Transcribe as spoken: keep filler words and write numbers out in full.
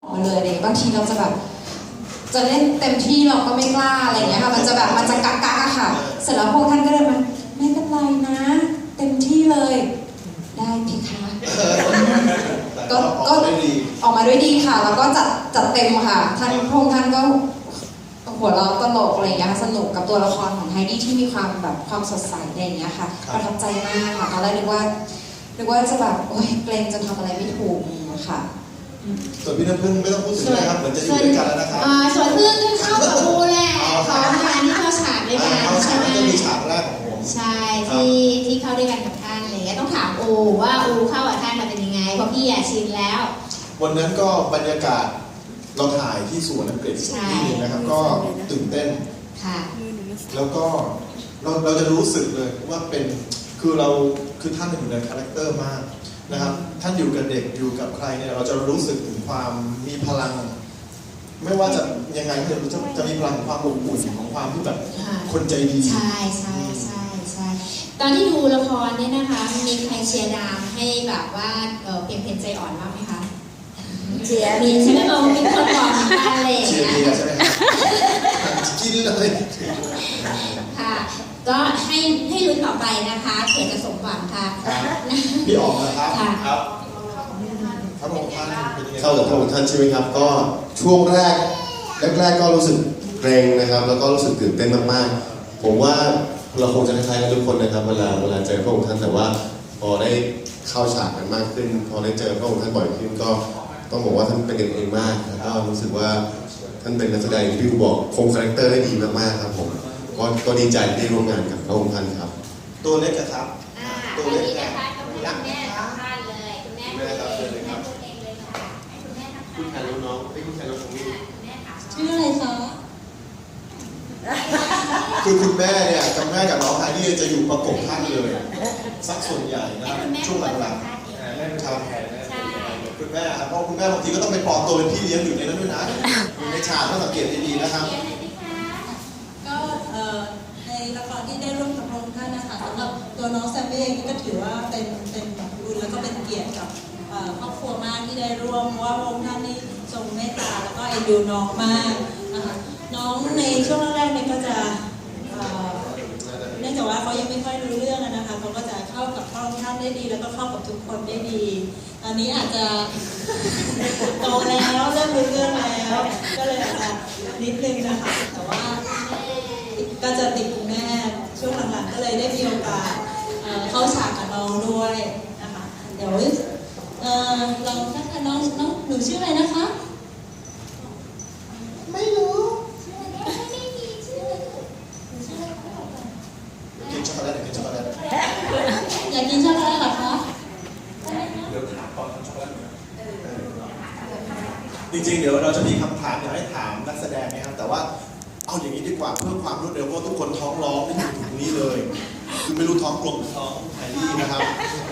มาเลยเลยบางทีเราจะแบบจะเล่นเต็มที่เราก็ไม่กล้าอะไรอย่างเงี้ยค่ะมันจะแบบมันจะกักกักอะค่ะเสร็จแล้วพวกท่านก็เดินมาไม่เป็นไรนะเต็มที่เลยได้เพคะก็ก็ออกมาด้วยดีค่ะแล้วก็จัดจัดเต็มค่ะท่านพวกท่านก็หัวเราะตลกอะไรอย่างเงี้ยสนุกกับตัวละครของไฮดี้ที่มีความแบบความสดใสอะไรอย่างเงี้ยค่ะประทับใจมากค่ะตอนแรกนึกว่านึกว่าจะแบบโอ๊ยเกรงจะทำอะไรไม่ถูกค่ะส่วนพี่น้ำพึ่งไม่ต้องพูดถึงนะครับเหมือนจะอยู่ด้วยกันแล้วนะครับส่วนพึ่งก็เข้ากับอูแหละพร้อมกันที่เข้าฉากด้วยกันใช่ไหมก็มีฉากแรกของผมใช่ที่ที่เข้าด้วยกันกับท่านอะไรเงี้ยต้องถามอูว่าอูเข้ากับท่านมาเป็นยังไงเพราะพี่อะชินแล้ววันนั้นก็บรรยากาศเราถ่ายที่สวนอังกฤษที่นึงนะครับก็ตื่นเต้นค่ะแล้วก็เราเราจะรู้สึกเลยว่าเป็นคือเราคือท่านอยู่ในคาแรคเตอร์มากนะครับท่านอยู่กับเด็กอยู่กับใครเนี่ยเราจะรู้สึกถึงความมีพลังไม่ว่าจะยังไงก็จะจะมีพลังของความอบอุ่นของความที่แบบคนใจดีใช่ใช่ใช่ใช่ตอนที่ดูละครเนี่ยนะคะมีใครเชียร์ดามให้แบบว่าเพียงเพนใจอ่อนบ้างไหมคะเชียร์มีใช่ไหมเรามีคนบอกมาอะไรอย่างเชียร์เงี้ยใช่ไหมครับกินเลยค่ะก็ให้ให้ลุ้นต่อไปนะคะเผื่อจะสมหวังค่ะพี่ออกนะครับครับพระองค์ท่านเป็นยังไงเข้ากับพระองค์ท่านใช่ไหมครับก็ช่วงแรกแรกๆก็รู้สึกเกรงนะครับแล้วก็รู้สึกตื่นเต้นมากๆผมว่าเราคงจะคล้ายๆกันทุกคนนะครับเวลาเวลาเจอพระองค์ท่านแต่ว่าพอได้เข้าฉากกันมากขึ้นพอได้เจอพระองค์ท่านบ่อยขึ้นก็ต้องบอกว่าท่านเป็นกันเองมากแล้วก็รู้สึกว่าท่านเป็นนักแสดงที่พี่บอกคงคาแรคเตอร์ได้ดีมากๆครับผมก็ก็ดีใจที่ได้ร่วมงานกับพระองค์ท่านครับตัวเล็กครับตัวเล็กนะคะคุณแม่สองท่านเลยคุณแม่คุณแม่พูดเองเลยค่ะให้คุณแม่ทักทายคุณแทนน้องๆคุณแทนน้องๆนี่คุณแม่ถามชื่ออะไรคะคือคุณแม่เนี่ยกับแม่กับน้องไฮดี้จะอยู่ประกบท่านเลยสักส่วนใหญ่นะช่วงหลังๆแม่ทำคุณแม่ครับเพราะคุณแม่บางทีก็ต้องไปปลอมตัวเป็นพี่เลี้ยงอยู่ในนั้นด้วยนะในฉากต้องสังเกตดีๆนะครับก็ในละครที่ได้ร่วมกับพระองค์ท่านนะคะสำหรับตัวน้องแซมมี่เองก็ถือว่าเป็นเป็นบุญแล้วก็เป็นเกียรติกับครอบครัวมากที่ได้ร่วมเพราะว่าพระองค์ท่านนี่ทรงเมตตาแล้วก็เอ็นดูน้องมากนะคะน้องในช่วงแรกๆเนี่ยก็จะเนื่องจากว่าเขายังไม่ค่อยรู้เรื่องนะคะเขาก็จะเข้ากับพระองค์ท่านได้ดีแล้วก็เข้ากับทุกคนได้ดีตอนนี้อาจจะโตแล้วเริ่มรู้เรื่องแล้วก็เลยอาจจะนิดนึงนะคะแต่ว่าก็จะติดคุณแม่ช่วงหลังๆก็เลยได้มีโอกาสเข้าฉากกับน้องด้วยนะคะเดี๋ยวเราถ้าน้องน้องหนูชื่ออะไรนะคะไม่รู้กินช็อกโกแลตกินช็อกโกแลตอยากกินช็อกโกแลตเหรอคะเดี๋ยวถามตอนทำช็อกโกแลตจริงๆเดี๋ยวเราจะมีคำถามอยากให้ถามนักแสดงนะครับแต่ว่าเอาอย่างนี้ดีกว่าเพื่อความรวดเร็วเพราะทุกคนท้องร้องไม่อยู่ตรงนี้เลยคือไม่รู้ท้องกลมท้องไฮดี้นะครับ